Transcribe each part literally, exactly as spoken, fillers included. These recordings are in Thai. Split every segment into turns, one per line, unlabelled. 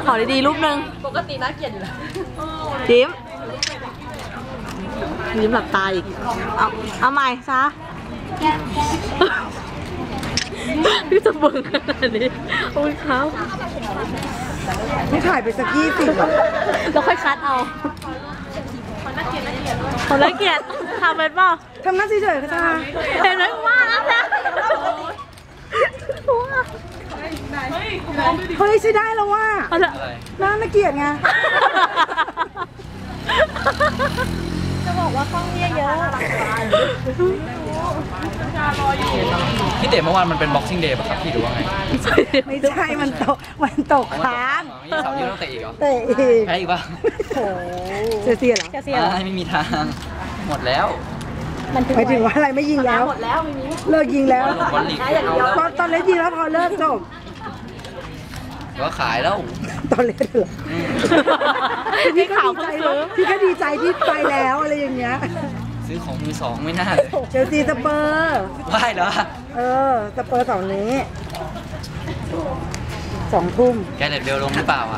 ขอดีๆรูปหนึ่งปกติน่าเกลียดอยู่แล้วยิ้มยิ้มหลับตาอีกเอาเอาใหม่ซะพี่จะเบิ่งขนาดนี้โอ้ยเขา
ไม่ถ่ายไปสักยี่สิบ
แล้วค่อยคัดเอาคนละเกียรติทำเป็นเปล่า
ทำหน้าเฉยๆก็ได้
เห็นไหมว่าแล้วนะ
เฮ้ยใช่ได้แล้วว่าน่าน่าเกลียดไง
จะบอกว่าข้องเยอะเยอะ
พี่เต๋เมื่อวานมันเป็น Boxing Day ป่ะครับพี่หรือว่าไง
ไม่ใช่มันตกมันตกค้าง
ยี่สาวยี่ต้องเตะอีกเหรอ
เตะอีก
แพ้อีกป่ะ
โอ้เสียเสียเหรอ
เสีย
ไม่มีทางหมดแล้ว
หมายถึงว่าอะไรไม่ยิงแล้ว
หมดแล้วไม่มี
เลิกยิงแล้ว
ต
อนตอนเล่นยิงแล้วพอเลิกจบ
ก็ขายแล้ว
ตอนเล่นเหรอพี่ก็ดีใจพี่ก็ดีใจที่ไปแล้วอะไรอย่างเงี้ย
ซื้อของมือสองไม่น่าเลย
เชลซีสเปอร์
ว่ายเหรอ
เออสเปอร์สองนี้สองทุ่ม
แกเด็ดเบลลงหรือเปล่าอ่ะ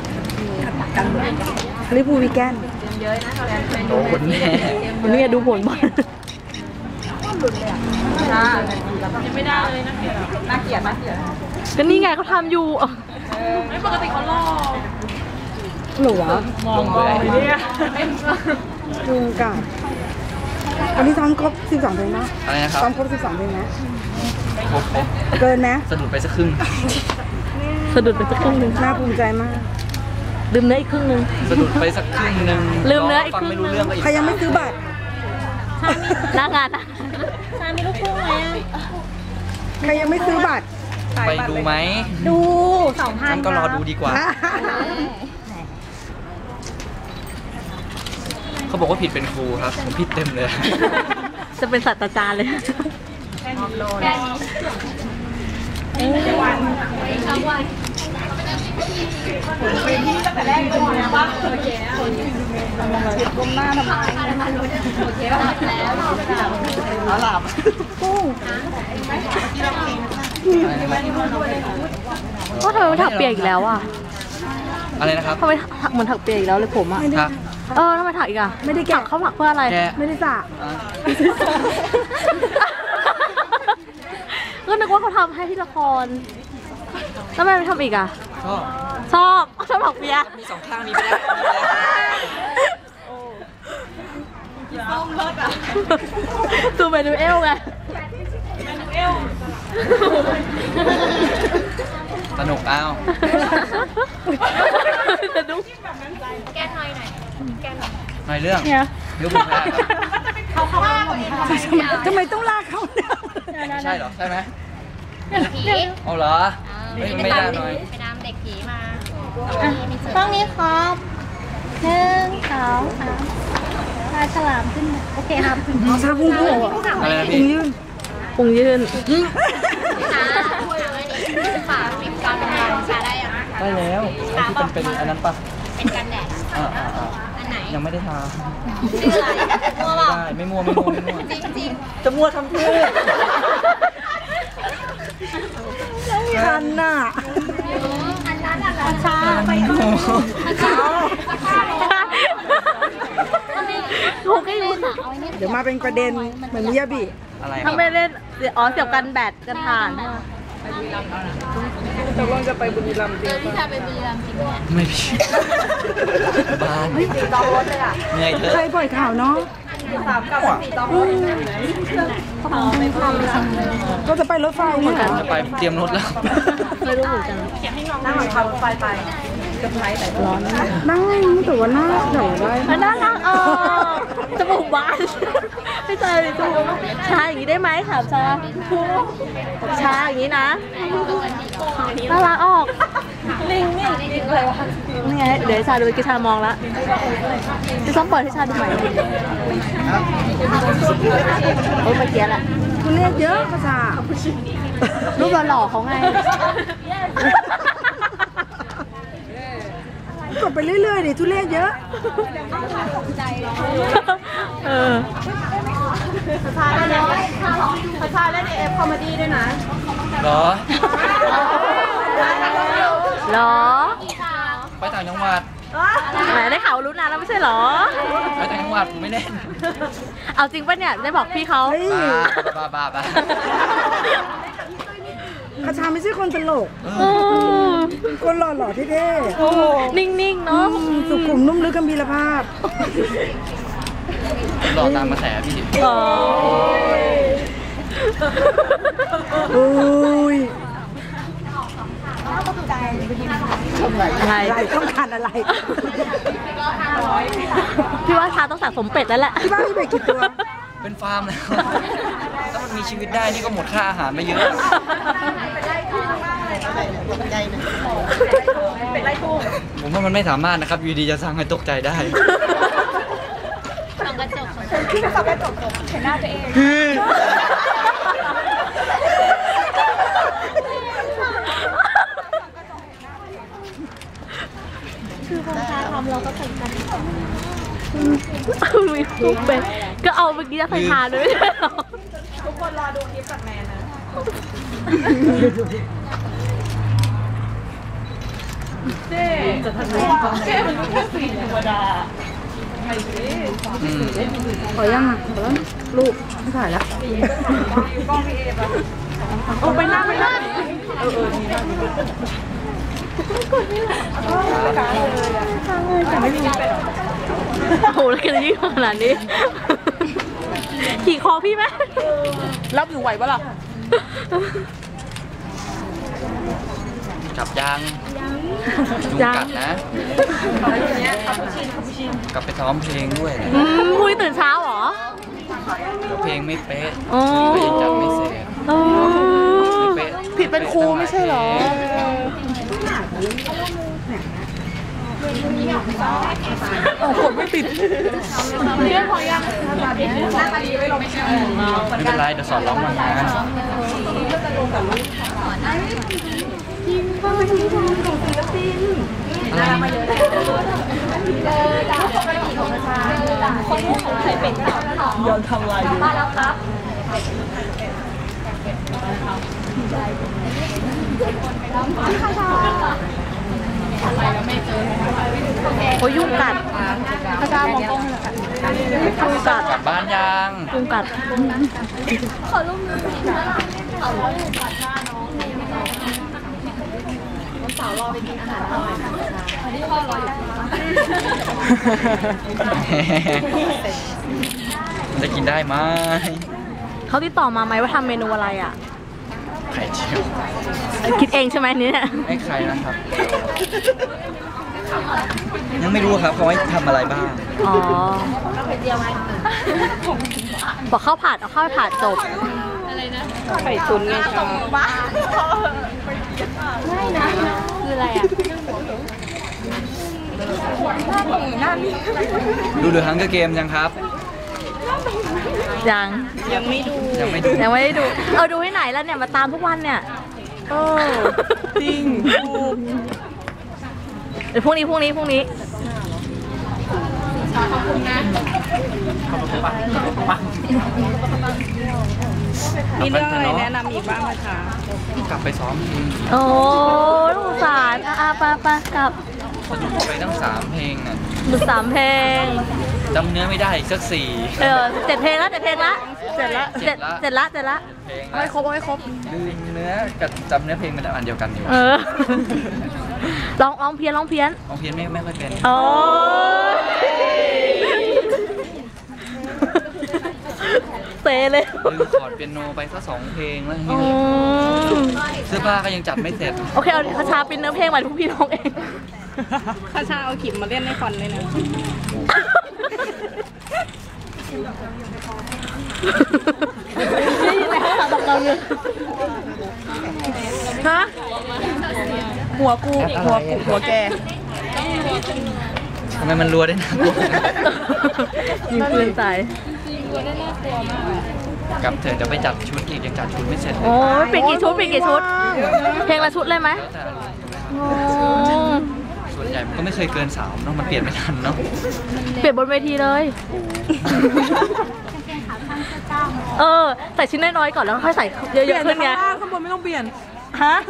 ลิปูวีแกน
โอ้โหแน่
นี่ดูผลบอลยังไม่ได้เลยน่าเกลียดน่าเกลียดก็นี่ไงเขาทำอยู่ไม่ปกติเขาล่อ
หนูวะ
มองมองเนี่ย
ลุงกับอันนี้ซ้อมครบสิบสองเพลงนะ
อะไรนะครับ
ซ้อมครบสิบสองเพลงนะ
ครบ
เกินไหม
สะดุดไปสักครึ่ง
สะดุดไปสักครึ่งหนึ่ง
น่าภูมิใจมาก
ลืมเนื้ออีกครึ่งหนึ่ง
สะดุดไปสักครึ่งหนึ่ง
ลืมเนื้ออีกครึ่งนึง
ใครยังไม่ซื้อบัตร
หน้างานอ่ะชามีลูกคู่ไหม
ใครยังไม่ซื้อบัตร
ไปดูไหม
ดูสองพัน
ก็รอดูดีกว่าเขาบอกว่าผิดเป็นครูครับผมผิดเต็มเลย
จะเป็นศาสตราจารย์เลยเป็นที่ตั้งแต่แรกเลยนะว่าโอเคก้มหน้าทำไมโอเคป่ะแล้วหลับกุ้งก็ทำไมมันถักเปียกอีกแล้วอ่ะ
อะไรนะครับ
ทำไมถักเหมือนถักเปียกอีกแล้วเลยผมอ่ะเออทำไมถักอีกอ่ะไม่ได้แกะเขาถักเพื่ออะไร
ไม่ได้สระ
ก็นึกว่าเขาทำให้ที่ละครทำไมไม่ทำอีกอ่ะ
ชอบ
ชอบชอบถักเปียก
มีสองข้างมีไปแล้ว
ส้มเลิศอ่ะซูเมนูเอลไงเมนูเอล
สนุกเอา
สนุกแกนหน่อยหน่อยแกนหน่อย
หน่อยเรื่องเรื่องบุญแพ้
เขาเขาว่า
ทำไมต้องลากเขาเนี่ย
ใช่เหรอใช่ไหม
ผี
เอาเหรอไม่ได้หน่อย
ไปนำเด็กผีมา
ต้องนี้ครับหนึ่งสองสามปลาฉลามขึ้นโอเคครับ
น้องชาบุ้งบุ้ง
อะไรนะพี่
ปุงยืน
ฝาเป็นการเป็นการชาได้ยัง
ได้แล้วที่เป็นเป็นอันนั้นปะ
เป็นกันแดดอันไหน
ยังไม่ได้ทา
มั่วเปล่า
ไม่มั่วไม่มั่วไม่มั่ว
จริงจริง
จะมั่วทำเพื่อ
คันน่ะ
อันนั้นอัน
ชาไปดูถูกให้รู้
เดี๋ยวมาเป็นประเด็นเหมือนมิยาบิ
อะไร
ทำไม่เล่นอ๋อเสียบกันแบตกันถ่าน
ตกลงจะไปบุรีรัมย์จริง
ป่ะไปบุรีรัมย์จริงไหม
ไม่พี่บ้าน
ไม่ตีตอรถเลยอ่ะ
เหนื่อยเถอะ
ใครปล่อยข่าวเนาะ
สามกับสี่ตอรถ
ก็จะไปรถไฟเนี่ย
จะไปเตรียมรถแล้ว
ไม่รู้เหมือนกันนั่งหลังทางรถไฟไปจะไปแต่ร้อน
นั่งแต่ว่าหน้าใหญ่ได้
น่ารักเออจมูกบานไม่ใช่จมูกชาอย่างนี้ได้ไหมถามชาชาอย่างนี้นะน่ารักออกลิงนี่ลิงเลยวะนี่ไงเดี๋ยวชาดูกิชามองละจะต้องเปิดให้ชาดูใหม่โอ้ยเมื่อกี้แหละ
คุณเรียกเยอะภาษา
รูปหล่อเขาไง
กดไปเรื่อยๆดิทุเรศเยอะ
เออภาษาเล่นภาษาเล่นเอฟคอมเมดี้ด้วยนะ
หรอ
หรอ
ไปต่างจังหวัด
แหมได้ข่าวรู้นานแล้วไม่ใช่เหรอ
ไปต่างจังหวัดผมไม่เล่น
เอาจริงป่ะเนี่ยได้บอกพี่เขา
บ้าบ้าบ้าบ้า
คาชาไม่ใช่คนตลก
เออ
คนหล่อๆเท่
นิ่งๆเนาะ
ๆสุขุมนุ่มลึกกำพีรภาพ
หลอกตามกระแสพี่
อ๋อ
โอ้ย
อะไร
อะไรต้องการอะไร
พี่ว่าชาต้องสะสมเป็ดแล้วแหละ
ที่บ้านมีเป็ดกี่ตัว
เป็นฟาร์มแล้วถ้ามันมีชีวิตได้นี่ก็หมดค่าอาหารไปเยอะผมว่ามันไม่สามารถนะครับอยู่ดีจะสร้างให้ตกใจได้
ส่องกระจก
ที่จะขับไปตกเห็นหน้าตัวเอง
คือพอชาทำเราก็ใส่กันมีลูกเป็ดก็เอาเมื่อกี้จะใส่ชาด้วยไม่ใช่เหรอทุกคนรอดูคลิปจากแมนนะเจ๊จะทำยังไงเจ๊มันก็แค่สีธรรมดา
อืม
ขอยังอ่ะขอแล้วลูกไม่ถ่ายแล้วโอ้ไปหน้าไปหน้า
โอ้โหแล้วกันยิ่งขนาดนี้ ขี่คอพี่ไหม
รับอยู่ไหวปะล่ะ
จับยางยุงกัดนะกลับไปซ้อมเพลงด้วย
อืมคุยตื่นเช้าเหรอ
เพลงไม่เป๊ะ
อ๋อ
ก็ยังจัดไม่เสร็จ
อ๋อ
ไม่เป๊ะ
ผิดเป็นครูไม่ใช่เหรอ
โอ้โหไม่ติด
เรื่องของยัง
ไม่เป็นไรเดี๋ยวสอนร้องมางานอะไร
ยอมทำลายดูโอ้ยยุงกัดพระเจ้ามองกล้องเลยค่ะยุงกัด
กลับบ้านยัง
ยุงกัด
ขอรูปมือขอรูปมือก่อนหน้าน้องวันเสาร์รอไปกินอาหารอร่อยนะคะวันนี้พ่อรออยู่
จะกินได้ไหม
เขาติดต่อมาไหมว่าทำเมนูอะไรอ่ะ
ไข่เจียว
คิดเองใช่ไหมเนี่ย
ไม่ใครนะครับ ยังไม่รู้ครับเขาให้ทำอะไรบ้าง
อ๋อบอกข้าวผัดเอาข้าวผัดจบ
ไข่ตุ๋นไงจ้า
คืออะไรอ่ะ
ดูเดือดฮังเกอร์เกมยังครับ
ยัง
ยังไม่ดู
ยังไม่ดู
ยังไม่ได้ดู เอาดูให้ไหนแล้วเนี่ยมาตามทุกวันเนี่ย
เออจริงดู
เดี๋ยวพรุ่งนี้พรุ่งนี้พรุ่งนี้
มีเรื่องอะไรแนะนำอีกบ้างไหมคะ
กลับไปซ้อมเพลง
โอ้ลูกสารอ่ะอ่ะไปไปกลับ
สนุกไปตั้งสามเพลงน่ะ
ดูสามเพลง
จำเนื้อไม่ได้อีกสักสี่
เออเจ็ดเพลงแล้วเจ็ดเพลงละเจ็ดละเจ็ดเจ็ดละเจ็ดละ
เพลง
เอาให้ครบเอาให้ครบ
ลืมเนื้อกับจำเนื้อเพลงมันอันเดียวกันอยู่
เออร้องร้องเพี้ยนร้องเพี้ยน
ร้องเพี้ยนไม่ไม่ค่อยเป็น
โอ้เซเลย
ลืมคอร์ดเปียโนไปสักสองเพลงแล้ว
อืม
เสื้อผ้าก็ยังจัดไม่เสร็จ
โอเคเอาคาชาเป็นเนื้อเพลงมาทุกพี่น้องเอง
ข้าชาเอาขิมมาเล่นในคอนเลยนะ
นี่ยังไงเขาถามเราเลย
ฮะ หัวกู หัวกู หัวแก
ทำไมมันรัวได้นะ
ยิงปืนใส่
กลับเถอะจะไปจัดชุดอีกยังจัดชุดไม่เสร็จเลย
โอ้ยเปลี่ยนกี่ชุดเปลี่ยนกี่ชุด เพลงละชุดเลยไหม
แล้วแต่อารมณ์
โอ้
ส่วนใหญ่มันก็ไม่เคยเกินสามเนาะมันเปลี่ยนไม่ทันเนาะ
เปลี่ยนบนเวทีเลย เออ ใส่ชิ้นน้อยๆก่อนแล้วค่อยใส่เยอะๆขึ้นไง
ข้างล่างข้างบนไม่ต้องเปลี่ยน
ฮะ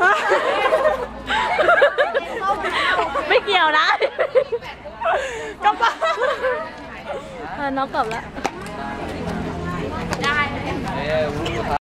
ไม่เกี่ยวนะกลับบ้านน้องกลับแล้ว
เอ้ย